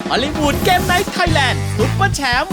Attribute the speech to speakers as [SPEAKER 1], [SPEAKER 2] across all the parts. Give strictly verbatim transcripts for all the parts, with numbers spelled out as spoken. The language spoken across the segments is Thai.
[SPEAKER 1] ฮอลลีวูดเกมไนท์ไทยแลนด์ซุปเปอร์แชมป์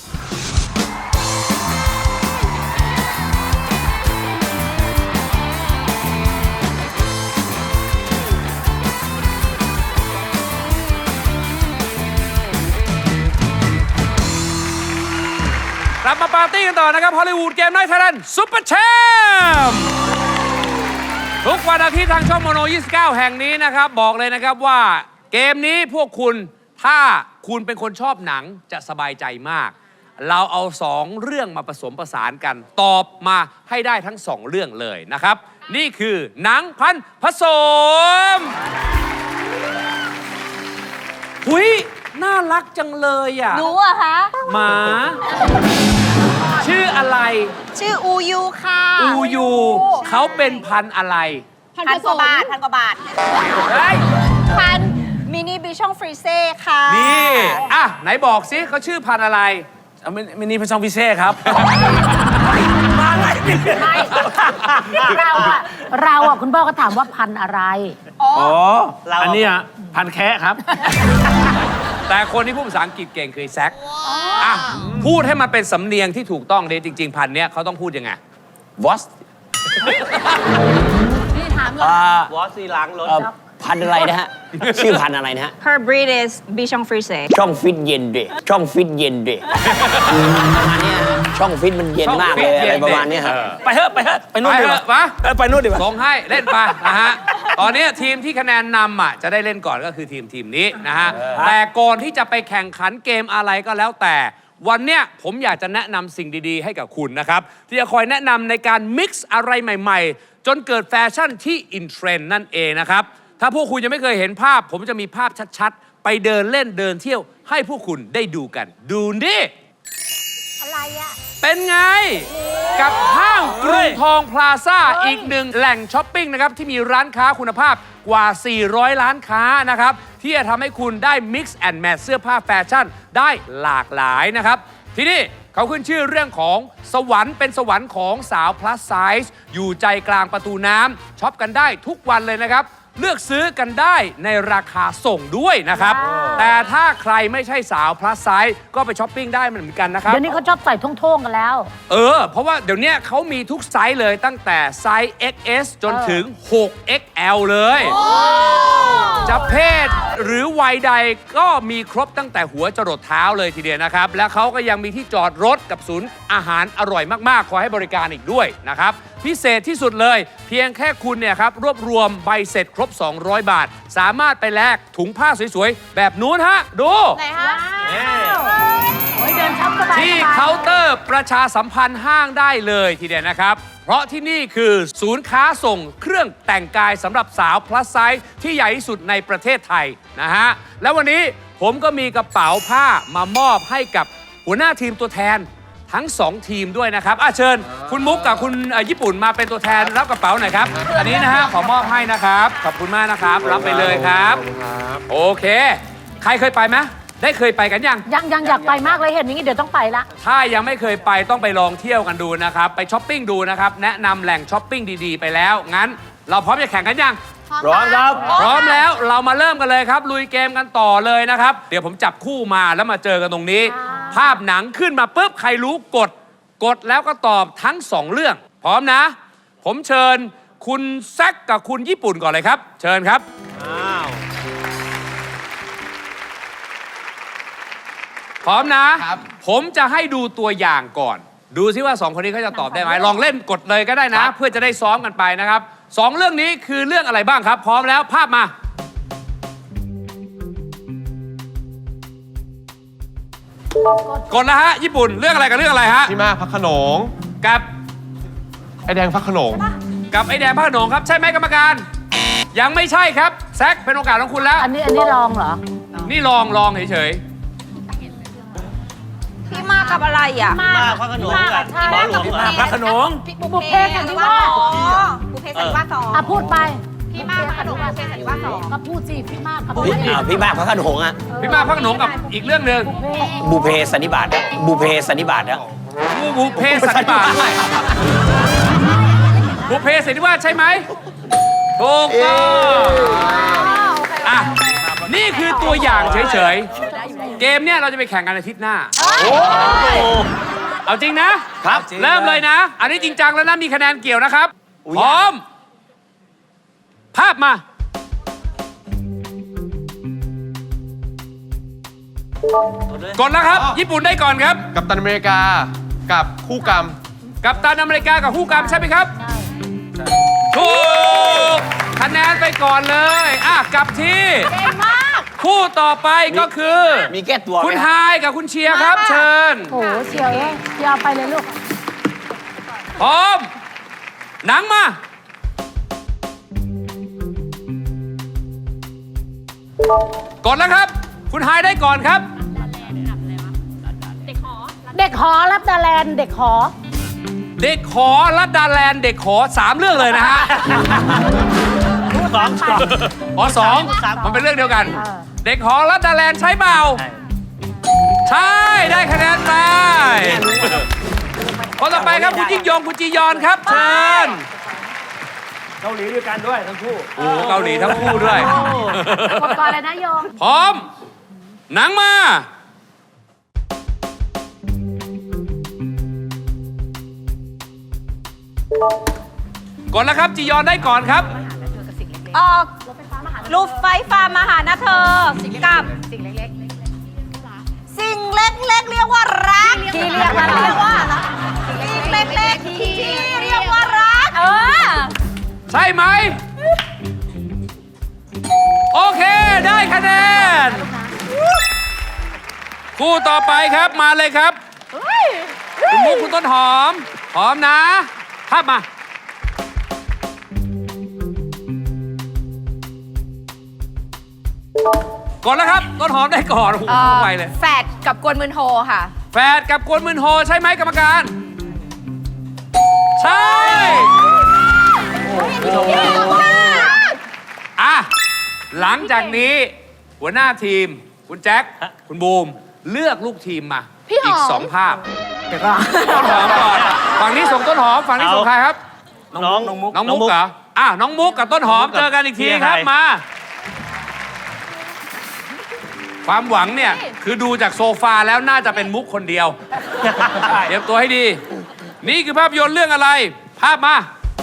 [SPEAKER 2] กลับมาปาร์ตี้กันต่อนะครับฮอลลีวูดเกมไนท์ไทยแลนด์ซุปเปอร์แชมป์ทุกวันอาทิตย์ทางช่องโมโนยี่สิบเก้าแห่งนี้นะครับบอกเลยนะครับว่าเกมนี้พวกคุณถ้าคุณเป็นคนชอบหนังจะสบายใจมากเราเอาสองเรื่องมาผสมผสานกันตอบมาให้ได้ทั้งสองเรื่องเลยนะครับนี่คือหนังพันผสมหุยน่ารักจังเลยอ่ะ
[SPEAKER 3] หนูอะคะ
[SPEAKER 2] หมา ชื่ออะไร
[SPEAKER 3] ชื่ออูยูค่ะ
[SPEAKER 2] อูยูเขาเป็นพันธุ์อะไร
[SPEAKER 3] พันกว่าบาทพันกว่าบาท
[SPEAKER 2] เฮ้ย
[SPEAKER 3] พันมินิบิชองฟรีเซ่ค่ะ
[SPEAKER 2] นี่อ่ะไหนบอกสิเขาชื่อพันธุ์อะไร
[SPEAKER 4] มินิพัชองพิเช่ครับ
[SPEAKER 2] มาไงนี่
[SPEAKER 5] ไม่เราอะเราอะคุณพ่อก็ถามว่าพันธุ์อะไร
[SPEAKER 3] อ๋อ
[SPEAKER 4] อ๋อ อันนี้อ่ะพันแคะครับ
[SPEAKER 2] แต่คนที่พูดภาษาอังกฤษเก่งคือแซคอ่ะพูดให้มันเป็นสำเนียงที่ถูกต้องเลยจริง ๆ พันธุ์เนี้ยเขาต้องพูดยังไง
[SPEAKER 4] วอส
[SPEAKER 5] นี่ถามก่อน
[SPEAKER 4] อ่าว
[SPEAKER 6] อสซีล้างรถ
[SPEAKER 4] เอ่อพันอะไรนะฮะ ชื่อพันอะไรนะฮะ
[SPEAKER 3] Her breed is Bichon Frise
[SPEAKER 4] ช่องฟิตเย็นเดะช่องฟิตเย็นเดะประมาณเนี้ยฮะช่องฟิตมันเย็นมากเลยอะไรประมาณเนี้ยครับ ไปเถอะไปเถอะไปนู่น
[SPEAKER 2] ไป
[SPEAKER 4] ดี
[SPEAKER 2] เถ
[SPEAKER 4] กว่า
[SPEAKER 2] อะมา
[SPEAKER 4] เออไปนู่นดีกว่า
[SPEAKER 2] ส่งให้เล่นไปนะฮะ ตอนนี้ทีมที่คะแนนนำอ่ะจะได้เล่นก่อนก็คือทีมทีมนี้นะฮะ แต่ก่อนที่จะไปแข่งขันเกมอะไรก็แล้วแต่ วันเนี้ยผมอยากจะแนะนำสิ่งดีๆให้กับคุณนะครับ ที่จะคอยแนะนำในการมิกซ์อะไรใหม่ๆ จนเกิดแฟชั่นที่อินเทรนด์นั่นเองนะครับ ถ้าพวกคุณยังไม่เคยเห็นภาพ ผมจะมีภาพชัดๆ ไปเดินเล่นเดินเที่ยวให้พวกคุณได้ดูกัน ดูดิ
[SPEAKER 5] อะไรอะ
[SPEAKER 2] เป็นไง กับห้างกรุงทองพลาซ่าอีกหนึ่งแหล่งช้อปปิ้งนะครับ ที่มีร้านค้าคุณภาพกว่า สี่ร้อย ล้านค้านะครับ ที่จะทำให้คุณได้ Mix and Match เสื้อผ้าแฟชั่นได้หลากหลายนะครับ ที่นี่เขาขึ้นชื่อเรื่องของสวรรค์เป็นสวรรค์ของสาว plus size อยู่ใจกลางประตูน้ำช็อปกันได้ทุกวันเลยนะครับ เลือกซื้อกันได้ในราคาส่งด้วยนะครับ แต่ถ้าใครไม่ใช่สาว plus size ก็ไปช้อปปิ้งได้เหมือนกันนะครับ
[SPEAKER 5] เดี๋ยวนี้เขาชอบใส่ท่งๆกันแล้ว
[SPEAKER 2] เออ เพราะว่าเดี๋ยวนี้เขามีทุกไซส์เลยตั้งแต่ไซส์ เอ็กซ์ เอส จนถึง หก เอ็กซ์ แอล เลย จะเพศหรือวัยใดก็มีครบตั้งแต่หัวจรดเท้าเลยทีเดียวนะครับ และเขาก็ยังมีที่จอดรถกับศูนย์อาหารอร่อยมากๆ คอยให้บริการอีกด้วยนะครับ พิเศษที่สุดเลย เพียงแค่คุณเนี่ยครับ รวบรวมใบเสร็จครบ สองร้อย บาท สามารถไปแลกถุงผ้าสวยๆ แบบนู้นฮะ ดู
[SPEAKER 3] ไหนฮะ
[SPEAKER 5] โอ้ยเดินช็อปสบาย
[SPEAKER 2] ที่
[SPEAKER 5] สบาย
[SPEAKER 2] เคาน์เตอร์ประชาสัมพันธ์ห้างได้เลยทีเดียวนะครับ เพราะที่นี่คือศูนย์ค้าส่งเครื่องแต่งกายสำหรับสาว plus size ที่ใหญ่ที่สุดในประเทศไทยนะฮะ แล้ววันนี้ผมก็มีกระเป๋าผ้ามามอบให้กับหัวหน้าทีมตัวแทนทั้งสองทีมด้วยนะครับอ่ะเชิญ คุณมุกกับคุณเอ่อญี่ปุ่นมาเป็นตัวแทนรับกระเป๋าหน่อยครับ อันนี้นะฮะขอมอบให้นะครับ ขอบคุณมากนะครับ รับไปเลยครับ โอเค ใครเคยไปไหมได้เคยไปกันยัง
[SPEAKER 5] ยังยังอยากไปมากเลยเห็นอย่างนี้เดี๋ยวต้องไปละ
[SPEAKER 2] ถ้ายังไม่เคยไปต้องไปลองเที่ยวกันดูนะครับ ไปช้อปปิ้งดูนะครับ แนะนำแหล่งช้อปปิ้งดีๆ ไปแล้ว งั้นเราพร้อมจะแข่งกันยัง
[SPEAKER 4] พร้อมครับ
[SPEAKER 2] พร้อมแล้วเรามาเริ่มกันเลยครับ ลุยเกมกันต่อเลยนะครับ เดี๋ยวผมจับคู่มาแล้วมาเจอกันตรงนี้ ภาพหนังขึ้นมาปุ๊บใครรู้กด กดแล้วก็ตอบทั้งสองเรื่อง พร้อมนะ ผมเชิญคุณแซคกับคุณญี่ปุ่นก่อนเลยครับ เชิญครับ พร้อมนะ ผมจะให้ดูตัวอย่างก่อน ดูซิว่าสองคนนี้เขาจะตอบได้ไหม ลองเล่นกดเลยก็ได้นะ เพื่อจะได้ซ้อมกันไปนะครับสองเรื่องนี้คือเรื่องอะไรบ้างครับ พร้อมแล้วภาพมา กดแล้วฮะ ญี่ปุ่นเรื่องอะไรกับเรื่องอะไรฮะ
[SPEAKER 6] พี่มากพักขนง
[SPEAKER 2] กับ
[SPEAKER 6] ไอแดงพักขนง
[SPEAKER 2] กับไอแดงพระโขนงครับ ใช่ไหมกรรมการ ยังไม่ใช่ครับแซคเป็นโอกาสของคุณแล้ว
[SPEAKER 5] อันนี้อันนี้ลองเหรอ
[SPEAKER 2] นี่ลองลองเฉย
[SPEAKER 3] พี่มากับอะไรอ่ะ
[SPEAKER 5] มาก
[SPEAKER 6] พักขนงกับ
[SPEAKER 5] หมอหลวง
[SPEAKER 4] พระโขนง
[SPEAKER 5] บุพเพสันนิวาส
[SPEAKER 3] บุพเพสันนิวาสสอง
[SPEAKER 5] อ่ะพูดไป
[SPEAKER 3] พี่มากกับหนูบุพเพสันนิวาสสอง
[SPEAKER 5] ก็พูดสิพี่มากกับ
[SPEAKER 4] พี่อ่าพี่มากพระโขนงอ่ะ
[SPEAKER 2] ๆ พี่มาพระโขนงกับอีกเรื่องหนึ่ง
[SPEAKER 4] บูเพสันนิบาตอะบูเพสันนิบาตอะ
[SPEAKER 2] บูบูเพสันนิบาตด้วยบูเพสันนิวาสใช่ไหมถูกต้องอ่ะนี่คือตัวอย่างเฉยๆเกมเนี่ยเราจะไปแข่งกันอาทิตย์หน้า เอาจริงนะ
[SPEAKER 4] ครับ
[SPEAKER 2] เริ่มเลยนะ อันนี้จริงจังแล้วนะ มีคะแนนเกี่ยวนะครับ พร้อม ภาพมา กดแล้วครับ ญี่ปุ่นได้ก่อนครับ
[SPEAKER 6] กัปตันอเมริกา กับคู่กรรม
[SPEAKER 2] กัปตันอเมริกากับคู่กรรมใช่ไหมครับ ถูก คะแนนไปก่อนเลย อ่ะ กลับที่
[SPEAKER 5] เก่งมาก
[SPEAKER 2] คู่ต่อไปก็คือ
[SPEAKER 4] มีแก้ตัวไหม
[SPEAKER 2] คุณ
[SPEAKER 4] ค
[SPEAKER 2] ไฮ
[SPEAKER 4] รับ
[SPEAKER 2] กับคุณเชียร์ครับ เชิญ
[SPEAKER 5] โอ้โหเชียวเอ้ยเชียวไปเลยลูก
[SPEAKER 2] พร้อม หนังมา กดแล้วครับ คุณไฮได้ก่อนครับ
[SPEAKER 5] เด็กหอรับดาแลนด์เด็กหอ
[SPEAKER 2] เด็กขอรัดดาแลนด์เด็กขอสามเรื่องเลยนะฮะ
[SPEAKER 4] สองสอง
[SPEAKER 2] อ๋อสองมันเป็นเรื่องเดียวกัน
[SPEAKER 5] เออ
[SPEAKER 2] เด็กขอรัดดาแลนด์ใช้เปล่า ใช่ ได้คะแนนไปคนต่อไปครับคุณยิ่งยงคุณจียอนครับเชิญ
[SPEAKER 4] เกาหลีด้วยกันด้วยทั้งคู่
[SPEAKER 2] โอ้โหเกาหลีทั้งคู่ด้วย
[SPEAKER 5] กดก่อนเลยนะโยม
[SPEAKER 2] พร้อม หนังมา กดแล้วครับจียอนได้ก่อนครับ
[SPEAKER 3] ออกรูปไฟฟ้ามาหานะเธอ กับ
[SPEAKER 5] สิ่งเล็ก
[SPEAKER 3] สิ่งเล็กๆเรียกว่ารักที่เรียกว่าเรียกว่าสิ่งเล็กๆที่เรียกว่ารัก เออ
[SPEAKER 2] ใช่ไหม โอเคได้คะแนน คู่ต่อไปครับมาเลยครับ คุณมุกคุณต้นหอม หอมนะ ภาพมา ก่อนแล้วครับ ต้นหอมได้ก่อน โอ้โหไปเลย
[SPEAKER 3] แฟดกับกวนมืนโฮค่ะ
[SPEAKER 2] แฝดกับกวนมืนโฮใช่ไหมกรรมการ ใช่ อ่ะ หลังจากนี้ หัวหน้าทีม คุณแจ็ค คุณบูม เลือกลูกทีมมา อีกสองภาพต้นหอมก่อน ฝั่งนี้ส่งต้นหอม ฝั่งนี้ส่งใครครับ
[SPEAKER 4] น้องน้องมุก
[SPEAKER 2] น้องมุกเหรอ อ่ะ น้องมุกกับต้นหอมเจอกันอีกทีครับมา ความหวังเนี่ย คือดูจากโซฟาแล้วน่าจะเป็นมุกคนเดียว เตรียมตัวให้ดี นี่คือภาพยนตร์เรื่องอะไร ภาพมา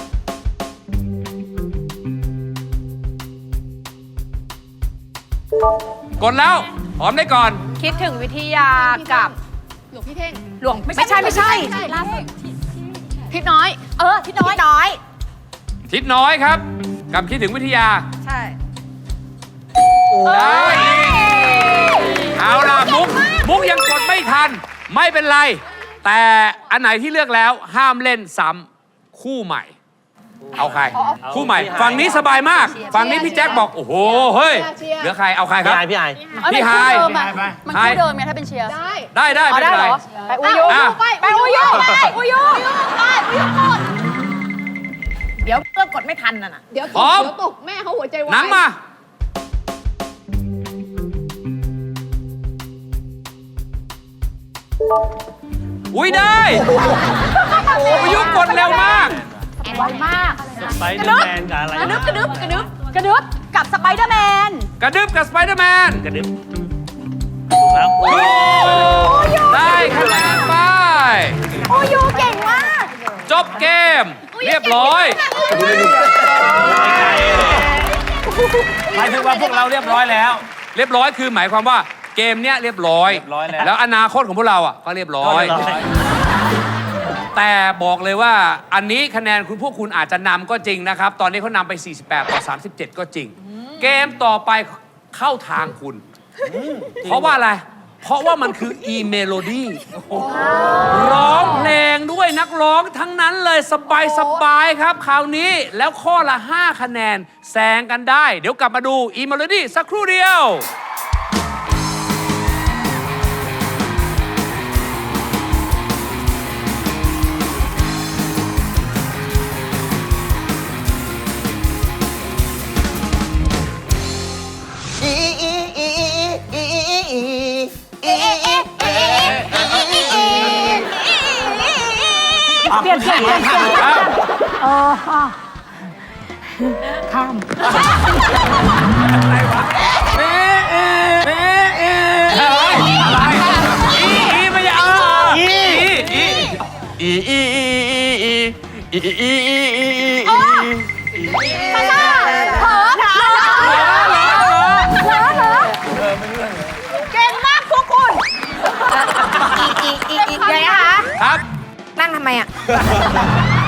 [SPEAKER 2] กดแล้ว หอมได้ก่อน
[SPEAKER 3] คิดถึงวิทยากับ หลวงพี่เท่ง หลวงไม่ใช่ไม่ใช่
[SPEAKER 5] ล่าสุด
[SPEAKER 3] ทิศน้อย เออทิศน้อยทิศน้อย
[SPEAKER 2] ทิศน้อยครับ กับคิดถึงวิทยา
[SPEAKER 3] ใช่
[SPEAKER 2] ได้อีกเอาล่ะมุก มุกยังกดไม่ทัน ไม่เป็นไร แต่อันไหนที่เลือกแล้วห้ามเล่นซ้ำคู่ใหม่ เอาใคร คู่ใหม่ ฝั่งนี้สบายมาก ฝั่งนี้พี่แจ็คบอก โอ้โห เฮ้ย เหลือใคร เอาใครครับ
[SPEAKER 4] พี่ไอ
[SPEAKER 2] พี่ไฮ
[SPEAKER 3] มันคู่เดิมไงถ้าเป็นเชียร์
[SPEAKER 2] ได้ได้ไม่เป็นไร
[SPEAKER 3] ไปอุยุ
[SPEAKER 2] อ่ะ
[SPEAKER 3] ไปไปอุยุไปอุยุไปอุยุกดเดี๋ยวเพื่อกดไม่ทันน่ะนะ
[SPEAKER 7] เดี๋ยว
[SPEAKER 2] พร้อม
[SPEAKER 7] เดี๋ยวตกแม่เขาหัวใจวาย
[SPEAKER 2] หนังมา อุ้ยได้ประยุกต์กดเร็วมาก
[SPEAKER 5] ไวมาก
[SPEAKER 4] ไปเดอร์แมนกับอะไร
[SPEAKER 3] กระดึบกระดึบกระดึบกระดึบกับสไปเดอร์แมน
[SPEAKER 2] กระดึบกับสไปเดอร์แมน
[SPEAKER 4] กระดึ๊บถูกแล้ว
[SPEAKER 2] ถูกได้คะแนนไป
[SPEAKER 3] โอยูเก่งมาก
[SPEAKER 2] จบเกม เรียบร้อย
[SPEAKER 4] หมายถึงว่าพวกเราเรียบร้อยแล้ว
[SPEAKER 2] เรียบร้อยคือหมายความว่าเกมเนี้ยเรียบร้อย
[SPEAKER 4] เรียบร้อยแล้ว
[SPEAKER 2] แล้วอนาคตของพวกเราอ่ะก็เรียบร้อย แต่บอกเลยว่าอันนี้คะแนนคุณพวกคุณอาจจะนำก็จริงนะครับ ตอนนี้เขานำไป สี่สิบแปด ต่อ สามสิบเจ็ด ก็จริง เกมต่อไปเข้าทางคุณ เพราะว่าอะไร เพราะว่ามันคืออีเมโลดี้ร้องเพลงด้วยนักร้องทั้งนั้นเลยสบายสบายๆครับคราวนี้แล้วข้อละ ห้า คะแนนแซงกันได้ เดี๋ยวกลับมาดูอีเมโลดี้สักครู่เดียว
[SPEAKER 5] เปลี่ยนเปลี่ยนเปลี่ยนเปลี่ยนเออข้าม
[SPEAKER 2] เอ๊ะเอ๊อะไรอีอีไม่ใช่เอออีอี
[SPEAKER 6] อีอีอีอีอีอีอีอีอีอี
[SPEAKER 3] ภาษาเผลอเผลอเผลอเผลอเก่งมากพวกคุณอีอีอีอียังไงคะ
[SPEAKER 2] ครับ
[SPEAKER 3] นั่งทำไมอ่ะ